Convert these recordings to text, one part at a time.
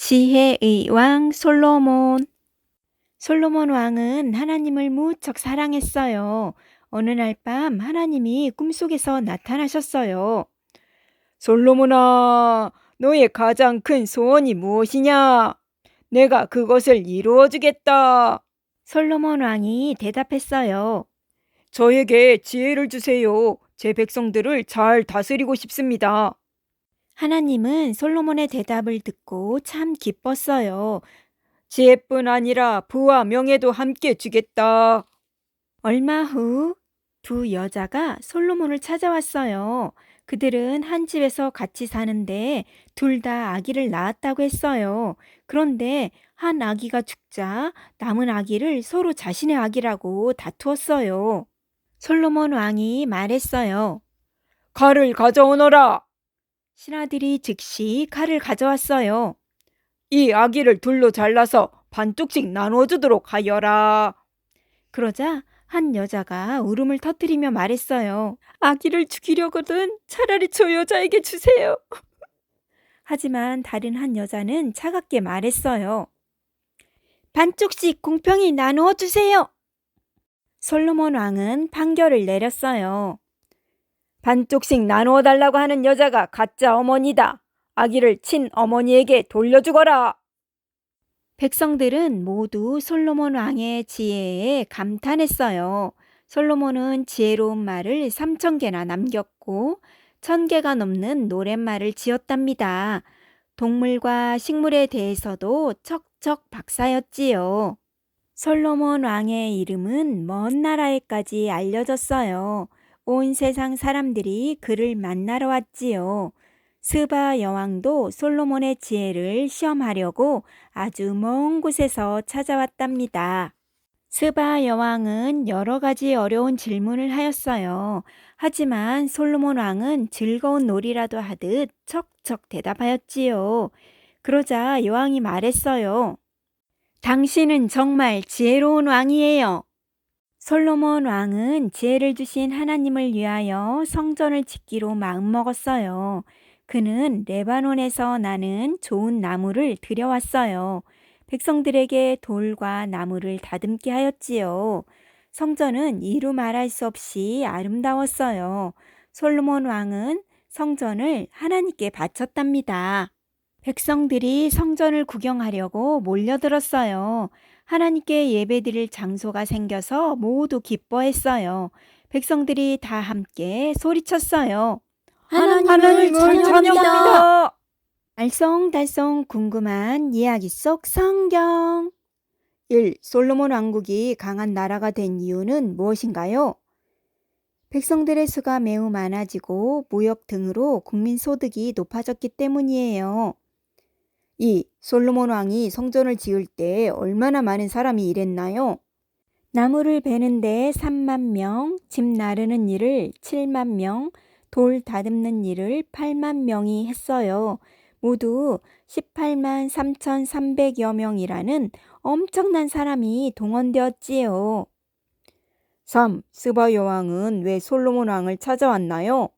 지혜의 왕 솔로몬. 솔로몬 왕은 하나님을 무척 사랑했어요. 어느 날 밤 하나님이 꿈속에서 나타나셨어요. 솔로몬아, 너의 가장 큰 소원이 무엇이냐? 내가 그것을 이루어 주겠다. 솔로몬 왕이 대답했어요. 저에게 지혜를 주세요. 제 백성들을 잘 다스리고 싶습니다. 하나님은 솔로몬의 대답을 듣고 참 기뻤어요. 지혜뿐 아니라 부와 명예도 함께 주겠다. 얼마 후 두 여자가 솔로몬을 찾아왔어요. 그들은 한 집에서 같이 사는데 둘 다 아기를 낳았다고 했어요. 그런데 한 아기가 죽자 남은 아기를 서로 자신의 아기라고 다투었어요. 솔로몬 왕이 말했어요. 칼을 가져오너라. 신하들이 즉시 칼을 가져왔어요. 이 아기를 둘로 잘라서 반쪽씩 나누어주도록 하여라. 그러자 한 여자가 울음을 터뜨리며 말했어요. 아기를 죽이려거든 차라리 저 여자에게 주세요. 하지만 다른 한 여자는 차갑게 말했어요. 반쪽씩 공평히 나누어 주세요. 솔로몬 왕은 판결을 내렸어요. 반쪽씩 나누어 달라고 하는 여자가 가짜 어머니다. 아기를 친어머니에게 돌려주거라. 백성들은 모두 솔로몬 왕의 지혜에 감탄했어요. 솔로몬은 지혜로운 말을 3,000개나 남겼고 1,000개가 넘는 노랫말을 지었답니다. 동물과 식물에 대해서도 척척 박사였지요. 솔로몬 왕의 이름은 먼 나라에까지 알려졌어요. 온 세상 사람들이 그를 만나러 왔지요. 스바 여왕도 솔로몬의 지혜를 시험하려고 아주 먼 곳에서 찾아왔답니다. 스바 여왕은 여러 가지 어려운 질문을 하였어요. 하지만 솔로몬 왕은 즐거운 놀이라도 하듯 척척 대답하였지요. 그러자 여왕이 말했어요. 당신은 정말 지혜로운 왕이에요. 솔로몬 왕은 지혜를 주신 하나님을 위하여 성전을 짓기로 마음먹었어요. 그는 레바논에서 나는 좋은 나무를 들여왔어요. 백성들에게 돌과 나무를 다듬게 하였지요. 성전은 이루 말할 수 없이 아름다웠어요. 솔로몬 왕은 성전을 하나님께 바쳤답니다. 백성들이 성전을 구경하려고 몰려들었어요. 하나님께 예배드릴 장소가 생겨서 모두 기뻐했어요. 백성들이 다 함께 소리쳤어요. 하나님을 찬양합니다. 알쏭달쏭 궁금한 이야기 속 성경. 1. 솔로몬 왕국이 강한 나라가 된 이유는 무엇인가요? 백성들의 수가 매우 많아지고 무역 등으로 국민 소득이 높아졌기 때문이에요. 2. 솔로몬 왕이 성전을 지을 때 얼마나 많은 사람이 일했나요? 나무를 베는데 3만 명, 집 나르는 일을 7만 명, 돌 다듬는 일을 8만 명이 했어요. 모두 18만 3,300여 명이라는 엄청난 사람이 동원되었지요. 3. 스바 여왕은 왜 솔로몬 왕을 찾아왔나요?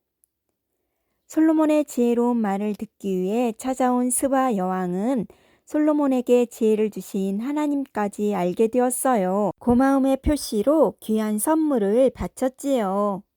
솔로몬의 지혜로운 말을 듣기 위해 찾아온 스바 여왕은 솔로몬에게 지혜를 주신 하나님까지 알게 되었어요. 고마움의 표시로 귀한 선물을 바쳤지요.